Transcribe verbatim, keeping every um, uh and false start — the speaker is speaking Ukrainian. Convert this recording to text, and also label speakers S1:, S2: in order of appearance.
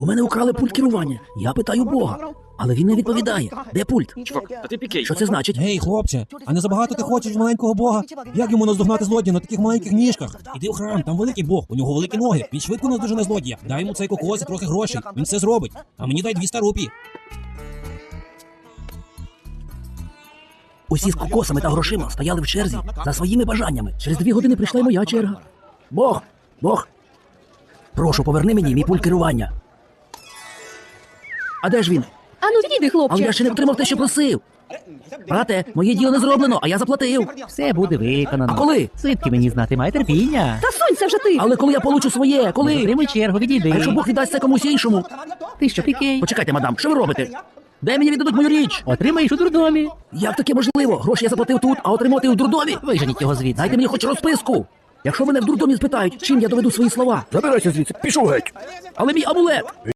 S1: У мене украли пульт керування. Я питаю Бога. Але він не відповідає. Де пульт?
S2: Чувак, та ти пікей.
S1: Що це значить?
S3: Гей, хлопче, а не забагато ти хочеш маленького бога? Як йому наздогнати злодія на таких маленьких ніжках? Іди в храм, там великий бог, у нього великі ноги. Він швидко наздожене злодія. Дай йому цей кокос і трохи грошей. Він все зробить. А мені дай двісті рупій.
S1: Усі з кокосами та грошима стояли в черзі за своїми бажаннями. Через дві години прийшла й моя черга. Бог! Бог! Прошу, поверни мені мій пульт керування. А де ж він?
S4: Ану, відійди, хлопче.
S1: Але я ще не отримав те, що просив. Брате, моє діло не зроблено, а я заплатив.
S5: Все буде виконано.
S1: А коли?
S5: Звідки мені знати, май терпіння.
S4: Та сунься вже ти.
S1: Але коли я получу своє? Коли?
S5: Затримуй чергу, відійди.
S1: А якщо Бог віддасть це комусь іншому?
S5: Ти що, пікей?
S1: Почекайте, мадам, що ви робите? Де мені віддадуть мою річ?
S5: Отримаєш у дурдомі.
S1: Як таке можливо? Гроші я заплатив тут, а отримати у дурдомі?
S5: Виженіть його звідси.
S1: Дайте мені хоч розписку. Якщо мене в дурдомі спитають, чим я доведу свої слова. Забирайся звідси, пішов геть. Але мій амулет.